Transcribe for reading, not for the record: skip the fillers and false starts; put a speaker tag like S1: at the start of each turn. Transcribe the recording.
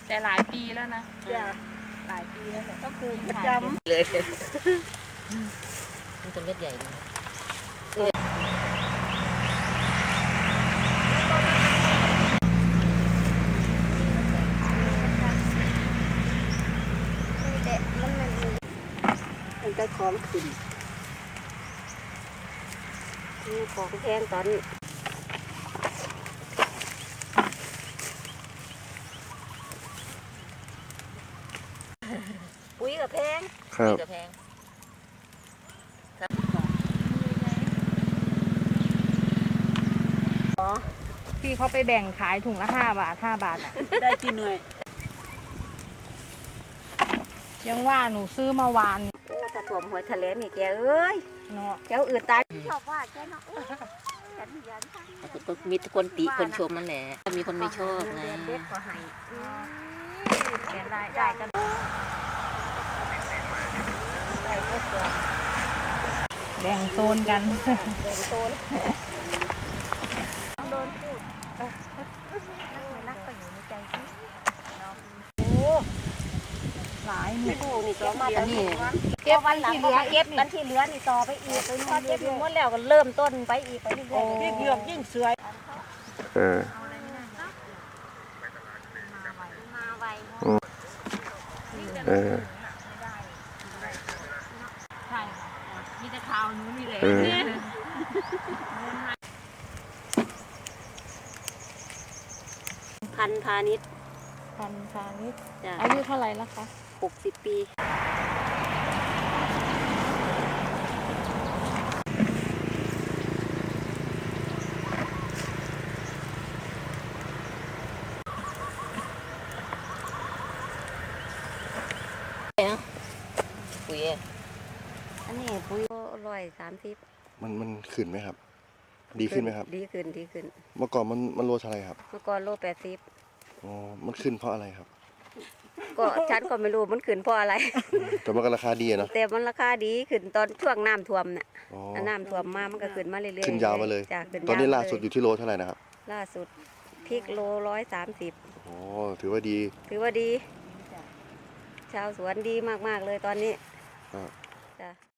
S1: แต่หลายปีแล้วนะหลายปีแล้วก็คือประจำ
S2: เลยมันจะเม็ดใหญ่เลย
S3: มันก็ของขึ้นนี่ของแพงตอนนี้ปุ๋ยกับแพง
S4: ครับ
S2: กับแพง
S1: ที่เขาไปแบ่งขายถุงละ5 บาท5 บาทอ่ะ
S3: ได้กี่หน่วย
S1: ยังว่าหนูซื้อมาวาน
S3: โอ้ถ้าถ่วมหัวทะเลนี่แกเอ้ย
S1: เนาะ
S3: แกอื่นตายชอบว่าแกเนาะฉันยัน
S2: ก็มีคนติคนชมนั่นแหละมีคนไม่ชอบไง
S3: เด็กก็ให้
S1: แกได้กันแบ่งโซนกัน
S3: เดินโซนโดนพูดนักก็อยู่ในใจสิโอ้หลายนี่โอ้นี่ก็มาแต่นี่เก็บวันที่เหลือเก็บวันที่เหลือนี่ต่อไปอีกไปพอเก็บหมดแล้วก็เริ่มต้นไปอีกไปเรื่อยๆยิ่งเยือกยิ่งเสือยมาไว
S1: ใช่ค่ะมีแต่ข่าวหนูนี่แหละ
S3: พันพาณิชย์
S1: พันพาณิชย์
S3: จ้ะ
S1: อายุเท่าไหร่แล้วคะ
S3: 60 ปี
S2: ปุ๋ย
S3: อันนี้ปุ๋ย130
S4: มันขึ้นไหมครับ ดีขึ้นไหมครับ
S3: ดีขึ้น
S4: เมื่อก่อนมันโลเท่าไหร่ครับ
S3: เมื่อก่อนโล80
S4: อ๋อมันขึ้นเพราะอะไรครับ
S3: ก็ฉันก็ไม่รู้มันขึ้นเพราะอะไร
S4: แต่มันก็ราคาดีอะเนาะ
S3: แต่มันราคาดีขึ้นตอนช่วงน้ำท่วมน่ะ
S4: อ๋อ
S3: น้ำท่วมมามันก็ขึ้นมาเรื่อยๆ
S4: ขึ้นยาวมาเลย
S3: จ้ะขึ้น
S4: ตอนนี้
S3: ยวม
S4: ล่าสุดอยู่ที่โลเท่าไหร่นะครับ
S3: ล่าสุดพริกโล130
S4: อ๋อถือว่าดี
S3: ถือว่าดี ชาวสวนดีมากๆเลยตอนนี้
S4: ครับ
S3: จ้ะ